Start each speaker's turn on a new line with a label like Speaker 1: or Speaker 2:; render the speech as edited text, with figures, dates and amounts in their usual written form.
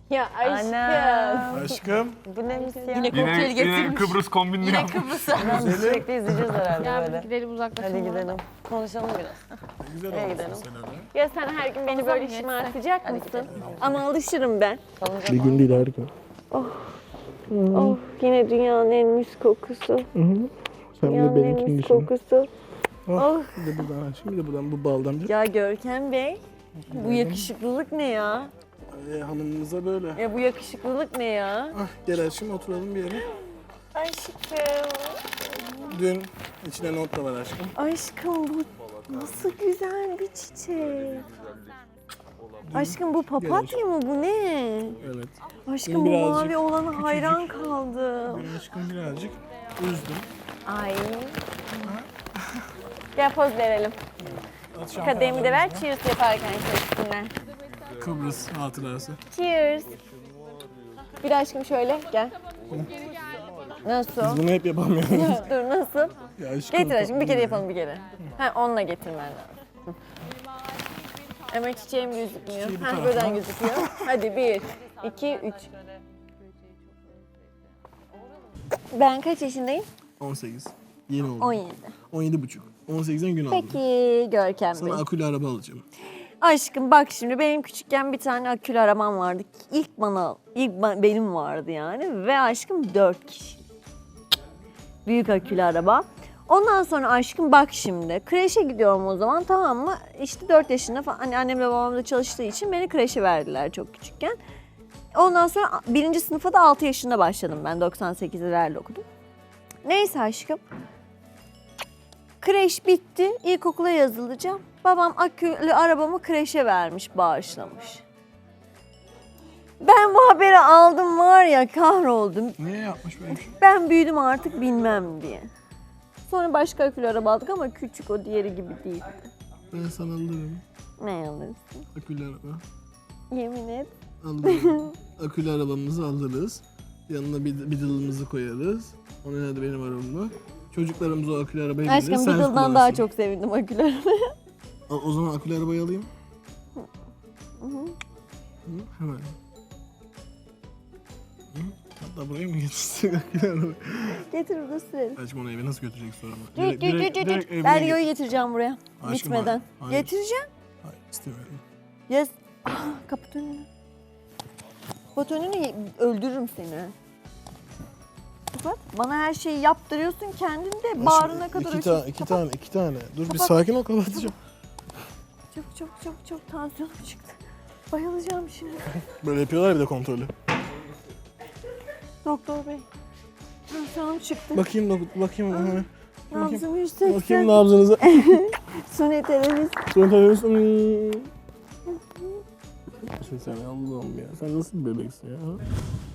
Speaker 1: Ya aşkım.
Speaker 2: Anam.
Speaker 3: Aşkım.
Speaker 2: Bu ne misya?
Speaker 1: Yine kokteyl getirmiş.
Speaker 3: Kıbrıs kombinini
Speaker 1: Yine
Speaker 3: yaptım.
Speaker 1: Kıbrıs'a.
Speaker 2: Sürekli izleyeceğiz herhalde
Speaker 1: Ya
Speaker 2: böyle.
Speaker 1: biz gidelim uzaklaşalım.
Speaker 2: Hadi gidelim. Konuşalım biraz.
Speaker 3: Güzel
Speaker 2: Nereye
Speaker 3: olmuşsun
Speaker 2: gidelim?
Speaker 3: sen öyle.
Speaker 1: Ya sen her gün beni böyle şımartacak mısın? Ama alışırım ben.
Speaker 2: Kalınca
Speaker 3: Bir gün değil her gün.
Speaker 1: Oh yine dünyanın en mis kokusu.
Speaker 3: Sen
Speaker 1: Dünyanın en mis kokusu. Oh.
Speaker 3: Bir de buradan aşkım, bir de buradan bu baldan bir.
Speaker 1: Ya Görkem Bey, bu yakışıklılık ne ya?
Speaker 3: Hanımımıza böyle.
Speaker 1: Ya bu yakışıklılık ne ya?
Speaker 3: Ah, gel aşkım oturalım bir yere.
Speaker 1: Aşkım.
Speaker 3: Dün içine not da var aşkım.
Speaker 1: Aşkım bu nasıl güzel bir çiçek. Aşkım bu papatya mı bu ne?
Speaker 3: Evet.
Speaker 1: Aşkım bu
Speaker 3: Birazcık
Speaker 1: mavi olana hayran kaldım.
Speaker 3: Dün aşkım birazcık üzdüm.
Speaker 1: Ay. Gel poz verelim. Kadehimi de ver, cheers yaparken üstünden.
Speaker 3: Kıbrıs hatırası.
Speaker 1: Cheers. Bir de aşkım şöyle, gel. Nasıl?
Speaker 3: Biz bunu hep yapamıyoruz.
Speaker 1: Dur nasıl?
Speaker 3: Ya aşkım,
Speaker 1: Getir aşkım, bir kere
Speaker 3: tatlı
Speaker 1: yapalım bir kere. Ha, onunla getirmen lazım. Ama çiçeğim gözükmüyor.
Speaker 3: Çiçeği bu
Speaker 1: Ha,
Speaker 3: tarafa.
Speaker 1: buradan gözüküyor. Hadi 1, 2, 3. Ben kaç yaşındayım?
Speaker 3: 18. Yeni oldu.
Speaker 1: 17.
Speaker 3: 17,5. 18'den gün aldım.
Speaker 1: Peki Görkem Bey.
Speaker 3: Sana akülü araba alacağım.
Speaker 1: Aşkım bak şimdi benim küçükken bir tane akülü arabam vardı. Benim vardı yani ve aşkım 4 kişi. Büyük akülü araba. Ondan sonra aşkım bak şimdi kreşe gidiyorum o zaman, tamam mı? İşte 4 yaşında falan, hani annemle babam da çalıştığı için beni kreşe verdiler çok küçükken. Ondan sonra 1. sınıfa da 6 yaşında başladım ben, 98'lerle okudum. Neyse aşkım. Kreş bitti, ilkokula yazılacağım. Babam akülü arabamı kreşe vermiş, bağışlamış. Ben bu haberi aldım var ya, kahroldum.
Speaker 3: Niye yapmış böyle bir şey?
Speaker 1: Ben büyüdüm artık bilmem diye. Sonra başka akülü araba aldık ama küçük, o diğeri gibi değil.
Speaker 3: Ben sana alırım.
Speaker 1: Ne alırsın?
Speaker 3: Akülü araba.
Speaker 1: Yemin et.
Speaker 3: Alırım. Akülü arabamızı alırız. Yanına bir dılımızı koyarız. Onun adı benim arabamı. Çocuklarımız o akülü arabayı bilir.
Speaker 1: Aşkım
Speaker 3: sen
Speaker 1: Beetle'dan daha
Speaker 3: kullansın.
Speaker 1: çok sevindim akülü arabaya.
Speaker 3: O zaman akülü arabayı alayım.
Speaker 1: Hı hı.
Speaker 3: Hı, hemen. Hı? Hatta buraya mı getirsek akülü arabayı?
Speaker 1: Getir burada sürelim.
Speaker 3: Aşkım onu eve nasıl götürecek sonra?
Speaker 1: Direkt ben Rio'yu getireceğim buraya.
Speaker 3: Aşkım,
Speaker 1: Bitmeden.
Speaker 3: hayır.
Speaker 1: Getireceğim.
Speaker 3: Hayır istemiyorum.
Speaker 1: Yes. Kapat önünü. Kapat önünü, öldürürüm seni. Kapat. Bana her şeyi yaptırıyorsun, kendin de bağrına kadar ölçüyorsun.
Speaker 3: İki tane. Dur bir
Speaker 1: Kapat.
Speaker 3: sakin ol, kapatacağım.
Speaker 1: Çok tansiyonum çıktı. Bayılacağım şimdi.
Speaker 3: Böyle yapıyorlar bir de kontrolü.
Speaker 1: Doktor bey. Tansiyonum çıktı.
Speaker 3: Bakayım.
Speaker 1: Nabzım 180.
Speaker 3: Bakayım nabzınıza.
Speaker 1: Suni teneffüs.
Speaker 3: Sonra tanıyorsun. Sen Allah'ım ya. Sen nasıl bir bebeksin ya?